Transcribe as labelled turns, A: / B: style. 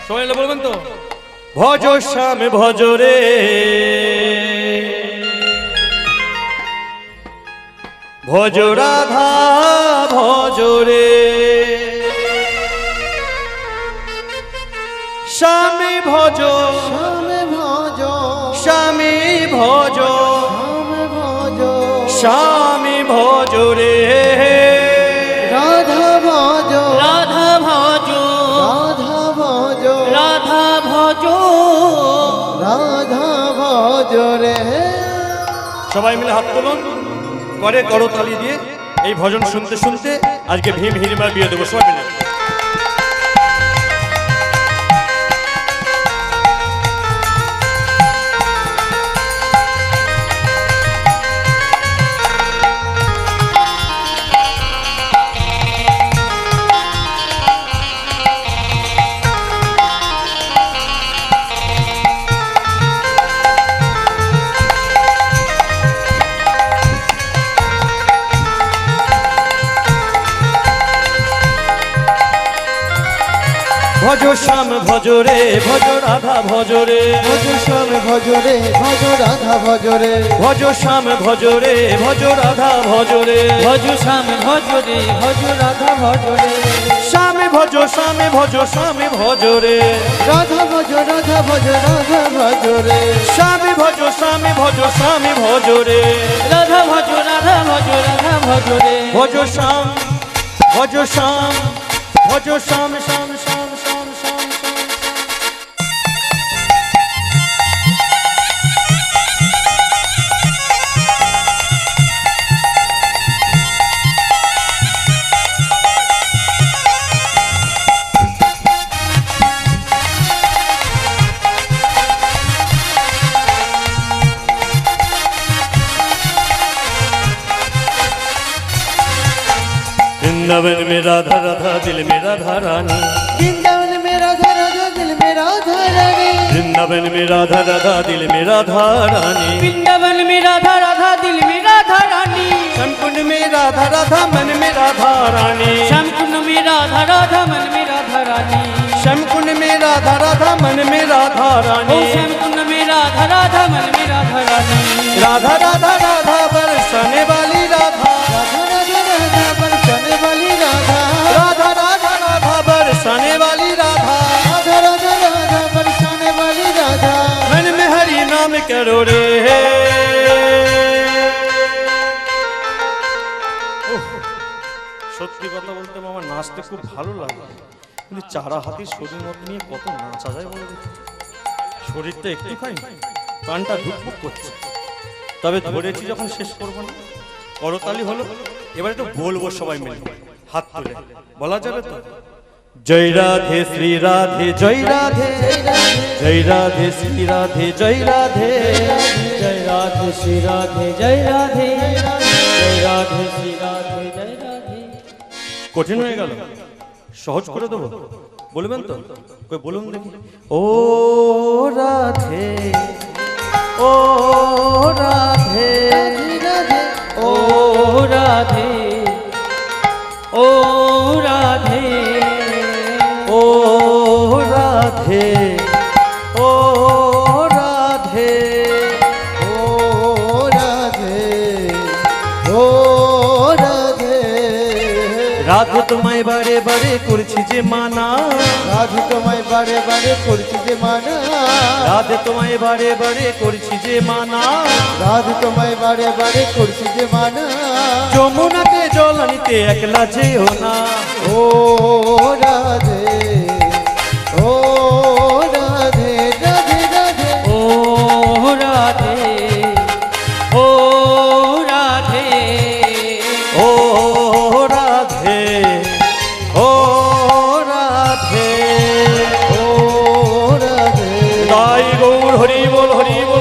A: সবাই বলবেন তো, ভজ শ্যাম ভজ রে, ভজ রাধা ভজ রে, স্বামী ভজ
B: স্বামী ভজ,
A: স্বামী ভজ
B: স্বামী
A: স্বামী
B: ভজ,
A: ভজ রে,
B: রাধা ভজ,
C: রাধা ভজ,
B: রাধা ভজ,
C: রাধা ভজ,
B: রাধা ভজ রে।
A: সবাই মিলে হাত তুলুন, করে করতালি দিয়ে এই ভজন শুনতে শুনতে আজকে ভীম হিরিমার বিয়ে দেবো সবাই মিলে। ভজ শ্যাম ভজ রে, ভজ রাধা ভজ রে,
B: ভজ স্বামী ভজ রে, ভজ রাধা ভজ রে,
A: ভজ শ্যাম ভজ রে, ভজ রাধা ভজ রে,
C: ভজ শ্যাম ভজ রে, ভজ রাধা ভজ রে,
A: স্বামী ভজ স্বামী ভজ স্বামী ভজ রে,
B: রাধা ভজ, রাধা ভজ, রাধা ভজ রে,
A: স্বামী ভজ স্বামী ভজ স্বামী ভজ রে,
C: রাধা ভজ, রাধা ভজ, রাধা ভজ রে,
A: ভজ শ্যাম ভজ শ্যাম ভজ শ্যাম শ্যাম শ্যাম শ্যাম শ্যাম শ্যাম। वृंदावन में राधा राधा दिल में राधा रानी,
B: वृंदावन में राधा राधा दिल में राधा रानी,
A: वृंदावन में राधा राधा दिल में राधा रानी,
C: वृंदावन में राधा राधा दिल में राधा रानी,
A: श्यामकुंड में राधा राधा मन में राधा रानी,
C: श्यामकुंड में राधा राधा मन में राधा रानी,
A: श्यामकुंड में राधा राधा मन में राधा
C: ओ
A: रानी,
C: श्यामकुंड में राधा राधा मन में राधा रानी,
A: राधा राधा राधा बरसने वाली राधा,
B: राधा राधा राधा बरसने वाली राधा,
A: राधा राधा राधा बरसने वाली राधा,
B: राधा राधा राधा बरसने वाली राधा,
A: मन में हरि नाम करो रे। সত্যি কথা বলতে আমার নাচতে খুব ভালো লাগে, কিন্তু চারা হাতির শরীর মতো নিয়ে কত নাচা যায় বলে দেখি। শরীরটা একটুখানি প্রাণটা ধুকপুক করছে, তবে ধরেছি যখন শেষ করবো না। করতালি হলো, এবার একটু বলবো সবাই মিলে হাত তুলে, বলা যাবে তো? জয় রাধে শ্রী রাধে, জয় রাধে, জয় রাধে শ্রী রাধে, জয় রাধে,
C: जय राधे श्री राधे, जय राधे, जय राधे श्री राधे, जय राधे।
A: কঠিন হয়ে গেল, সহজ করে দেবো, বলবেন তো? কই বলুন দেখি। ও রাধে, ও রাধে,
B: राधे
C: ओ राधे, ओ राधे,
A: ও রাধে, ও রাধে,
B: ओ राधे, ओ राधे,
A: রাধে তোমায় বারে বারে করছি যে মানা,
B: রাধে তোমায় বারে বারে করছি যে মানা,
A: রাধে তোমায় বারে বারে করছি যে মানা,
B: রাধে তোমায় বারে বারে করছি যে মানা,
A: যমুনাতে জল আনিতে একলা যেও না,
B: ও রাধে, ও রাধে, রাধে রাধে,
C: ओ राधे, ओ राधे,
A: ও রাধে, ও রাধে,
B: ও রাধে,
A: তাই গৌর হরি বল হরি বল